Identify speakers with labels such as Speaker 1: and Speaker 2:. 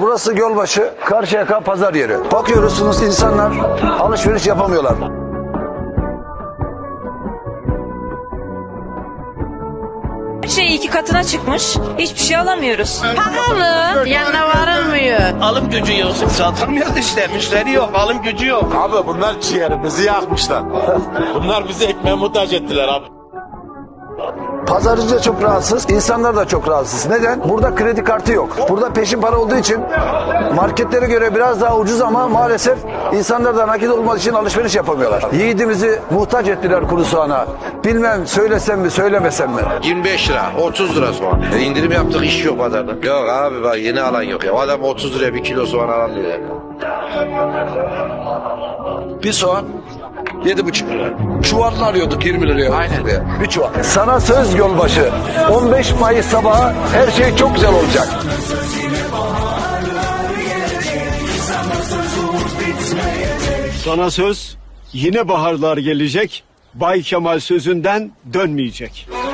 Speaker 1: Burası Gölbaşı, Karşıyaka pazar yeri. Bakıyorsunuz insanlar alışveriş yapamıyorlar.
Speaker 2: Her şey 2 katına çıkmış. Hiçbir şey alamıyoruz.
Speaker 3: Pahalı. Yanına varılmıyor.
Speaker 4: Alım gücü yok. Satamıyoruz işte. Müşteri yok. Alım gücü yok.
Speaker 5: Abi bunlar ciğerimizi yakmışlar. Bunlar bizi ekmeğe muhtaç ettiler abi.
Speaker 1: Pazarcı da çok rahatsız, insanlar da çok rahatsız. Neden? Burada kredi kartı yok. Burada peşin para olduğu için marketlere göre biraz daha ucuz ama maalesef insanlar da nakit olmadığı için alışveriş yapamıyorlar. Yiğidimizi muhtaç ettiler kuru soğana. Bilmem söylesem mi söylemesem mi?
Speaker 6: 25 lira, 30 lira soğan. İndirim yaptık, iş yok pazarda. Yok abi bak yeni alan yok ya. Adam 30 liraya 1 kilo soğan alamıyor ya.
Speaker 7: Bir soğan 7,5 lira. Çuvalını arıyorduk 20 liraya.
Speaker 6: Aynen.
Speaker 1: Bir çuval. Sana söz Gölbaşı. 15 Mayıs sabahı her şey çok güzel olacak.
Speaker 8: Sana söz, yine baharlar gelecek, Bay Kemal sözünden dönmeyecek.